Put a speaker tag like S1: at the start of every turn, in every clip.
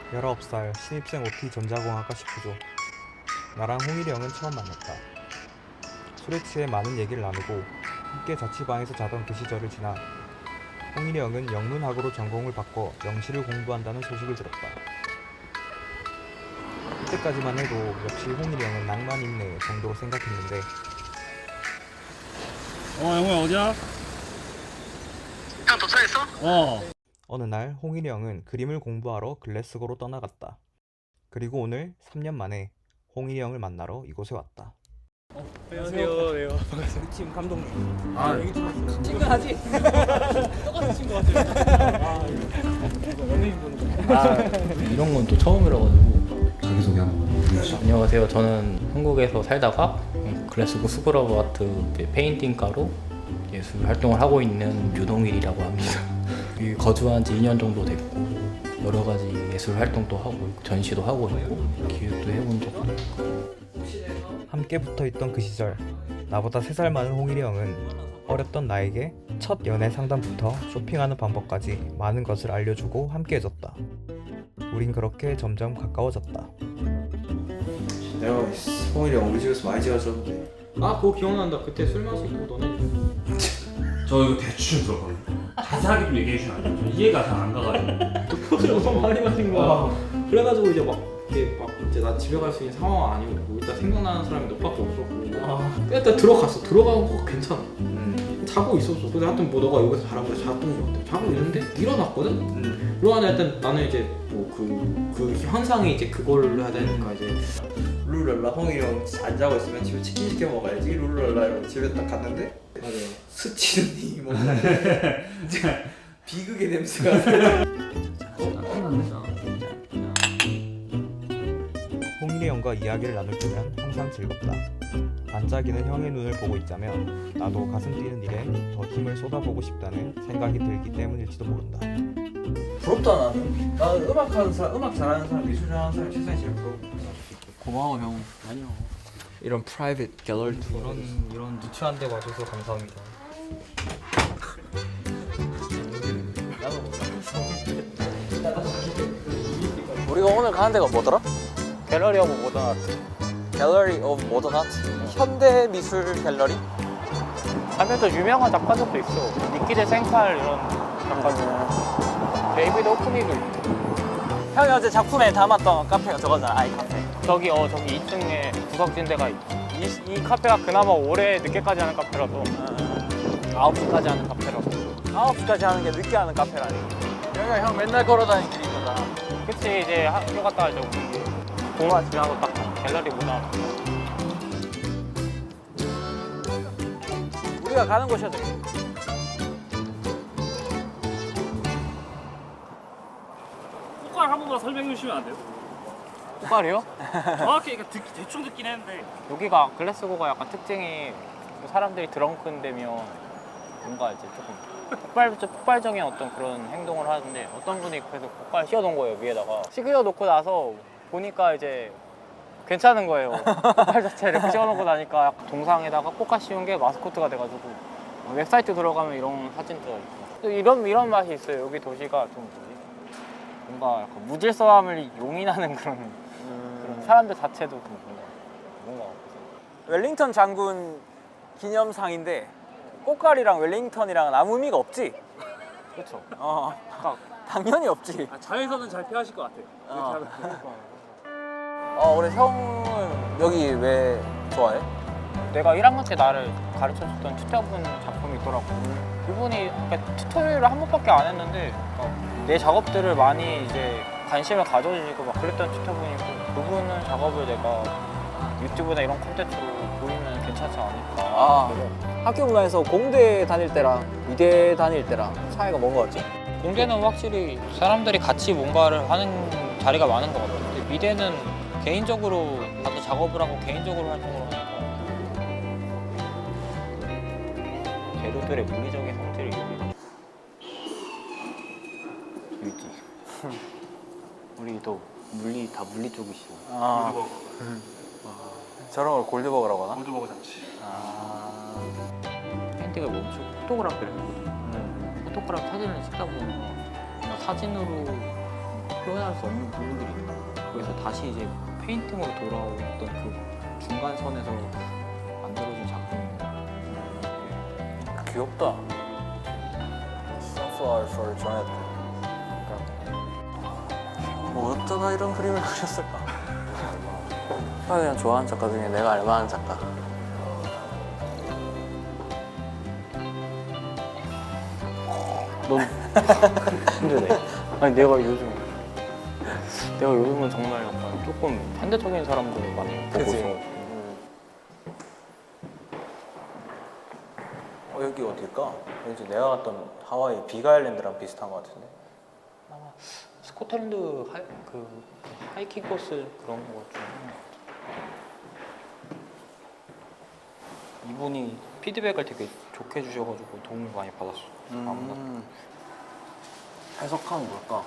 S1: 19살 신입생 OT 전자공학과 10부조. 나랑 홍일이 형은 처음 만났다. 술에 취해 많은 얘기를 나누고 함께 자취방에서 자던 그 시절을 지나 홍일이 형은 영문학으로 전공을 바꿔 영시를 공부한다는 소식을 들었다. 그때까지만 해도 역시 홍일이 형은 낭만 있네 정도로 생각했는데
S2: 영호야 어디야?
S3: 형 도착했어?
S1: 어느 날 홍일이 형은 그림을 공부하러 글래스고로 떠나갔다. 그리고 오늘 3년 만에 홍일이 형을 만나러 이곳에 왔다.
S2: 안녕하세요. 네, 반갑습니다.
S4: 우리 팀 감독님.
S2: 얘기 들었어요.
S4: 친근하지? 똑같이 친구 같아요. 연예인 보는 거.
S5: 이런 건 또 처음이라가지고.
S6: 자기소개 한번 해주시죠.
S5: 안녕하세요. 저는 한국에서 살다가 글래스고 스쿨 오브 아트 페인팅가로 예술 활동을 하고 있는 유동일이라고 합니다. 여기 거주한 지 2년 정도 됐고 여러 가지 예술 활동도 하고 있고 전시도 하고 있고 기획도 해본 적도 있고.
S1: 함께 붙어있던 그 시절 나보다 3살 많은 홍일이 형은 어렸던 나에게 첫 연애 상담부터 쇼핑하는 방법까지 많은 것을 알려주고 함께해줬다. 우린 그렇게 점점 가까워졌다.
S6: 내가 홍일이 우리 집에서 많이 지어줬는데
S4: 아 그거 기억난다. 그때 술 마시고 너네.
S2: 저 이거 대충 들었거든요. 자세하게 좀 얘기해 주시면 안 돼요? 저 이해가 잘 안 가가지고.
S4: 술 엄청 많이 마신 거야. 그래가지고 이제 막 이게 막 이제 나 집에 갈 수 있는 상황 아니고 일단 생각나는 사람이 너밖에 없었고. 일단 들어갔어. 들어간 거 괜찮아. 자고 있었어. 근데 하여튼 뭐 너가 여기서 자라고 해서 잤던 거 같아. 자고 있는데 일어났거든. 일어나자 일단 나는 이제 뭐 그 현상이 이제 그걸로 해야 되니까 이제
S6: 룰랄라 홍일이 형 안 자고 있으면 집에 치킨 시켜 먹어야지 룰랄라 이러고 집에 딱 갔는데
S4: 맞아요.
S6: 스치는 이 뭔가 진짜 비극의 냄새가
S1: 홍일이 형과 이야기를 나눌 때면 항상 즐겁다. 반짝이는 형의 눈을 보고 있자면 나도 가슴 뛰는 일에 더 힘을 쏟아보고 싶다는 생각이 들기 때문일지도 모른다.
S6: 부럽다 나는. 나는 음악하는 사람, 음악 잘하는 사람, 미술 잘하는 사람이 세상에 제일 부럽다.
S4: 고마워 형.
S5: 아니요.
S4: 이런 프라이빗 갤러리 투어.
S1: 이런 누추한 데 와줘서 감사합니다.
S7: 우리가 오늘 가는 데가 뭐더라? 갤러리 오브 모던 아트. 갤러리 오브 모던 아트? 현대 미술 갤러리?
S8: 하면 또 유명한 작가들도 있어. 니키데 생칼 이런 작가들. 데이비드 오프니도 있고.
S7: 형이 어제 작품에 담았던 카페가 저거잖아, 아이 카페.
S8: 저기 2층에 구석진대가 있고. 이 카페가 그나마 올해 늦게까지 하는 카페라서 9시까지 하는 카페라서.
S7: 9시까지 하는 게 늦게 하는 카페라니. 여기가 형 맨날 걸어다니는 길이구나.
S8: 그치, 이제 학교 갔다가 이제 동화 지나고 딱 갤러리 문화.
S7: 우리가 가는 곳이었대.
S2: 꽃갈 한 번만 설명해 주시면 안 돼요?
S8: 꽃갈이요?
S2: 정확히 그러니까 대충 듣긴 했는데.
S8: 여기가 글래스고가 약간 특징이 사람들이 드렁큰 데면 뭔가 이제 조금 폭발적인 어떤 그런 행동을 하는데 어떤 분이 그래서 꽃갈 씌워놓은 거예요, 위에다가. 씌워놓고 나서 보니까 이제 괜찮은 거예요. 꽃갈 자체를 이렇게 씌워놓고 나니까 약간 동상에다가 꽃갈 씌운 게 마스코트가 돼가지고 웹사이트 들어가면 이런 사진도 있고 또 이런 맛이 있어요. 여기 도시가 좀 뭔가 약간 무질서함을 용인하는 그런 사람들 자체도 좀 뭔가
S7: 웰링턴 장군 기념상인데 꽃갈이랑 웰링턴이랑 아무 의미가 없지?
S8: 그렇죠.
S7: 당연히 없지.
S2: 자외선은 잘 피하실 것 같아요. 이렇게 하면.
S7: 우리 형은 여기 왜 좋아해?
S8: 내가 1학년 때 나를 가르쳐줬던 튜터분 작품이 있더라고. 그분이 그러니까 튜토리얼을 한 번밖에 안 했는데 내 작업들을 많이 이제 관심을 가져주시고 막 그랬던 튜터분이고 그분은 작업을 내가 유튜브나 이런 콘텐츠로 보이면 괜찮지 않을까.
S7: 학교 문화에서 공대 다닐 때랑 미대 다닐 때랑 차이가 뭔 거 같지?
S8: 공대는 확실히 사람들이 같이 뭔가를 하는 자리가 많은 것 같아요. 근데 미대는 개인적으로 다들 작업을 하고 개인적으로 활동을 하니까 재료들의 물리적인 성질이 있지. 우리도 다 물리 쪽이시고.
S7: 저런 걸 골드버거라고 하나?
S2: 골드버거 잔치.
S8: 페인팅을 멈추고 포토그래피를 했거든. 포토그래피 사진을 찍다 보면 사진으로 표현할 수 없는 부분들이 있다. 그래서 다시 이제 페인팅으로 돌아오던 그 중간선에서 만들어진 작품입니다.
S7: 귀엽다. Sunflower for Janet. 뭐 어쩌다 이런 그림을 그렸을까? 그냥 좋아하는 작가 중에 내가 알만한 작가.
S8: 넌 힘드네. 아니 내가 요즘은 정말 약간 조금 현대적인 사람들을 많이 보고
S7: 그치?
S8: 있어.
S7: 여기 어딜까? 왠지 내가 갔던 하와이 빅아일랜드랑 비슷한 것 같은데.
S8: 아마 스코틀랜드 그 하이킹 코스 그런 거 좀. 이분이 피드백을 되게 좋게 주셔가지고 도움을 많이 받았어.
S7: 해석하면 뭘까?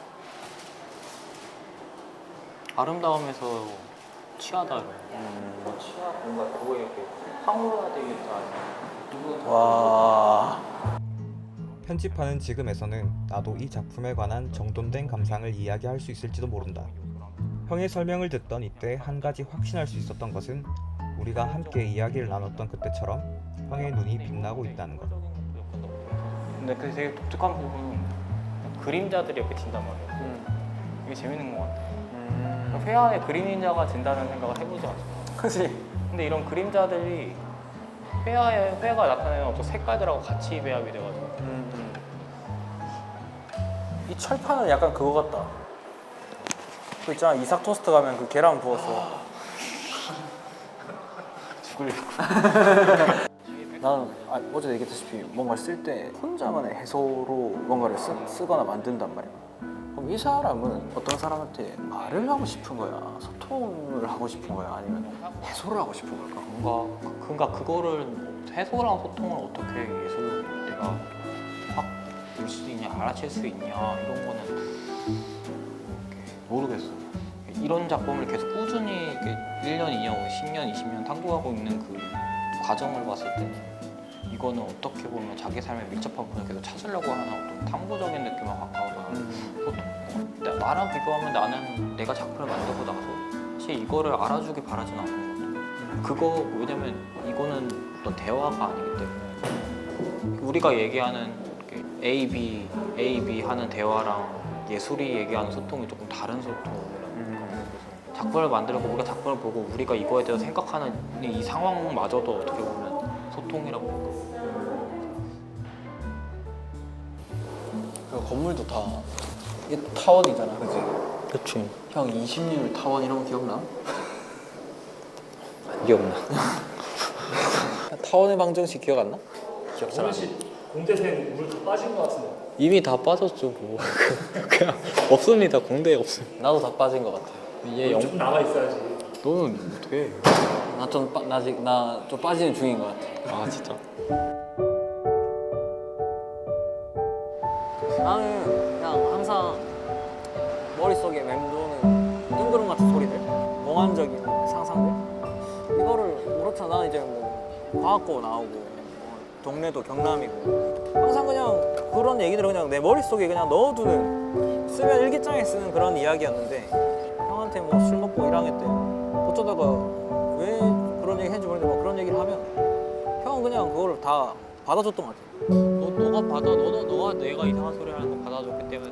S8: 아름다움에서 취하다 이런. 취하 뭔가 그거에 이렇게 황홀해야 되겠다 아니면
S7: 와.
S1: 편집하는 지금에서는 나도 이 작품에 관한 정돈된 감상을 이야기할 수 있을지도 모른다. 형의 설명을 듣던 이때 한 가지 확신할 수 있었던 것은 우리가 함께 이야기를 나눴던 그때처럼 형의 눈이 빛나고 있다는 것.
S8: 근데 그 되게 독특한 부분은 그림자들이 옆에 진단 말이야. 이게 재밌는 것 같아. 회화에 그림자가 진다는 생각을 해보지 않았어.
S7: 그치?
S8: 근데 이런 그림자들이 회화가 나타내는 어떤 색깔들하고 같이 배합이 돼가지고
S7: 이 철판은 약간 그거 같다. 그 있잖아, 이삭 토스트 가면 그 계란 부었어. 나는 어제 얘기했다시피 뭔가를 쓸 때 혼자만의 해소로 뭔가를 쓰거나 만든단 말이야. 그럼 이 사람은 어떤 사람한테 말을 하고 싶은 거야? 소통을 하고 싶은 거야? 아니면 해소를 하고 싶은 걸까?
S8: 뭔가 그거를 해소랑 소통을 어떻게 예술로 내가 확 볼 수 있냐, 알아챌 수 있냐 이런 거는 모르겠어. 이런 작품을 계속 꾸준히 이렇게 1년, 2년, 10년, 20년 탐구하고 있는 그 과정을 봤을 때는 이거는 어떻게 보면 자기 삶에 밀접한 부분을 계속 찾으려고 하는 어떤 탐구적인 느낌에 가까워서 보통 나랑 비교하면 나는 내가 작품을 만들고 나서 사실 이거를 알아주길 바라진 않는 것 같아. 그거 왜냐면 이거는 어떤 대화가 아니기 때문에 우리가 얘기하는 A, B 하는 대화랑 예술이 얘기하는 소통이 조금 다른 소통이라는 거죠. 작품을 만들고 우리가 작품을 보고 우리가 이거에 대해서 생각하는 이 상황마저도 어떻게 보면 소통이라고 볼까.
S7: 그 건물도 다 이게 타원이잖아, 그치?
S8: 그치.
S7: 형 20률 타원 이런 거 기억나?
S8: 안 기억나.
S7: 타원의 방정식 기억 안 나? 기억 잘 안 나.
S2: 공대생 물 다 빠진 것 같은데.
S8: 이미 다 빠졌죠 뭐. 그냥 없습니다. 공대에 없습니다.
S7: 나도 다 빠진 것 같아.
S8: 이게
S2: 좀 남아 있어야지.
S8: 너는 어떻게?
S7: 나 좀 빠지는 중인 것 같아.
S8: 아 진짜.
S7: 나는 그냥 항상 머릿속에 맴도는 뜬구름 같은 소리들, 몽환적인 상상들, 이거를 그렇잖아. 나는 이제 뭐 과학고 나오고 동네도 경남이고 항상 그냥 그런 얘기들을 그냥 내 머릿속에 그냥 넣어두는, 쓰면 일기장에 쓰는 그런 이야기였는데 형한테 뭐 술 먹고 1학년 때 어쩌다가 왜 그런 얘기 했는지 모르겠는데 뭐 그런 얘기를 하면 형은 그냥 그걸 다 받아줬던 것 같아.
S8: 너가 내가 이상한 소리 하는 거 받아줬기 때문에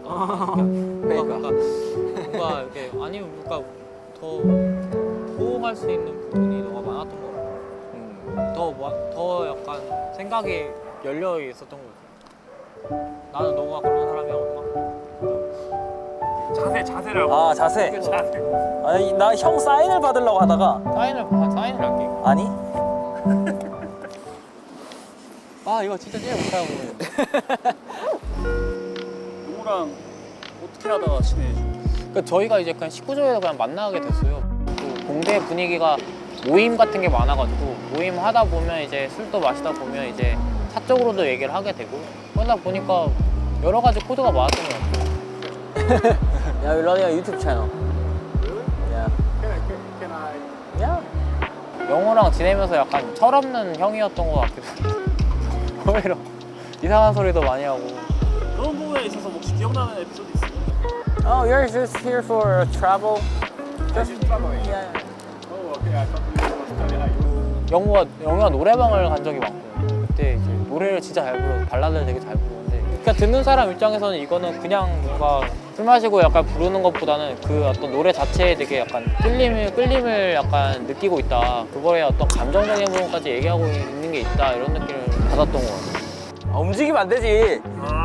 S8: 뭔가 이렇게 아니면 뭔가 더 호응할 수 있는 부분이 너가 많았던 거 같아. 더 약간 생각이 열려 있었던 거 같아. 나는 너가 그런 사람이었나?
S2: 자세라고.
S7: 아, 자세. 아니, 나 형 사인을 받으려고 하다가
S8: 사인을 할게.
S7: 아니?
S8: 아 이거 진짜 제일 못하는 부분인데.
S2: 누구랑 어떻게 하다가 친해지죠?
S8: 그러니까 저희가 이제 그냥 19조에서 그냥 만나게 됐어요. 또 공대 분위기가 모임 같은 게 많아가지고 모임 하다 보면 이제 술도 마시다 보면 이제 사적으로도 얘기를 하게 되고 그러다 보니까 여러 가지 코드가 많았던 것 같아요.
S7: Yeah, we're running a YouTube channel. Yeah.
S8: 그냥 영호랑 지내면서 약간 철없는 형이었던 것 같기도 해요. 오히려 이상한 소리도 많이 하고.
S2: 그런 부분에 있어서 혹시 기억나는 에피소드 있어요?
S8: Oh, you're just here for travel? Just traveling? Yeah. 영우가 노래방을 간 적이 많고 그때 이제 노래를 진짜 잘 불러 발라드를 되게 잘 부르는데 그러니까 듣는 사람 입장에서는 이거는 그냥 뭔가 술 마시고 약간 부르는 것보다는 그 어떤 노래 자체에 되게 약간 끌림을 약간 느끼고 있다 그거에 어떤 감정적인 부분까지 얘기하고 있는 게 있다 이런 느낌을 받았던 것 같아요.
S7: 움직이면 안 되지.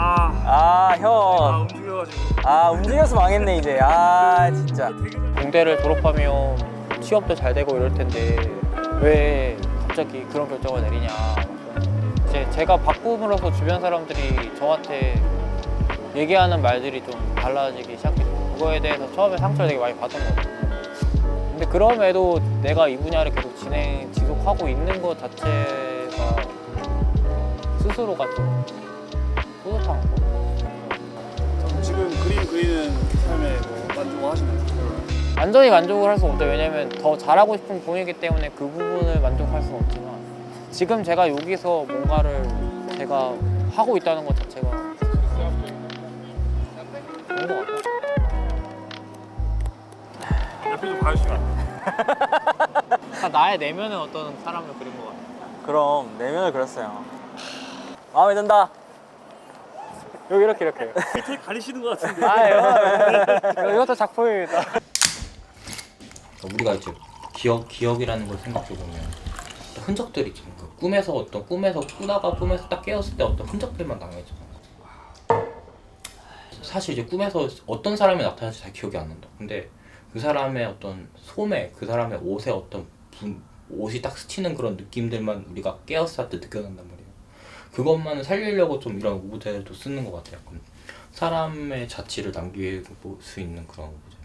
S7: 형.
S2: 움직여가지고.
S7: 움직여서 망했네 이제. 진짜.
S8: 공대를 졸업하면 취업도 잘 되고 이럴 텐데 왜 갑자기 그런 결정을 내리냐. 이제 제가 바꿈으로써 주변 사람들이 저한테 얘기하는 말들이 좀 달라지기 시작했고 그거에 대해서 처음에 상처를 되게 많이 받은 것 같아요. 근데 그럼에도 내가 이 분야를 계속 지속하고 있는 것 자체가 스스로가 좀 뿌듯한 거.
S2: 지금 그림 그리는 삶에 뭐 만족하시나요?
S8: 완전히 만족을 할 수 없죠. 왜냐면 더 잘하고 싶은 부분이기 때문에 그 부분을 만족할 수는 없지만 지금 제가 여기서 뭔가를 제가 하고 있다는 것 자체가 좋은 것 같아요.
S2: 옆에 좀 봐주시면 안 돼요?
S8: 나의 내면의 어떤 사람을 그린 것 같아요.
S7: 그럼 내면을 그렸어요. 마음에 든다.
S8: 여기 이렇게.
S2: 되게 가리시는 것 같은데.
S8: 이것도 작품입니다.
S5: 우리가 이제 기억이라는 걸 생각해 보면 흔적들이 있잖아. 그 꿈에서 꾸다가 꿈에서 딱 깨었을 때 어떤 흔적들만 남아있잖아. 사실 이제 꿈에서 어떤 사람이 나타날지 잘 기억이 안 난다. 근데 그 사람의 어떤 소매, 그 사람의 옷에 어떤 옷이 딱 스치는 그런 느낌들만 우리가 깨었을 때 느껴난단 말이에요. 그것만을 살리려고 좀 이런 오브제도 쓰는 것 같아요. 약간 사람의 자취를 남길 수 있는 그런 오브제.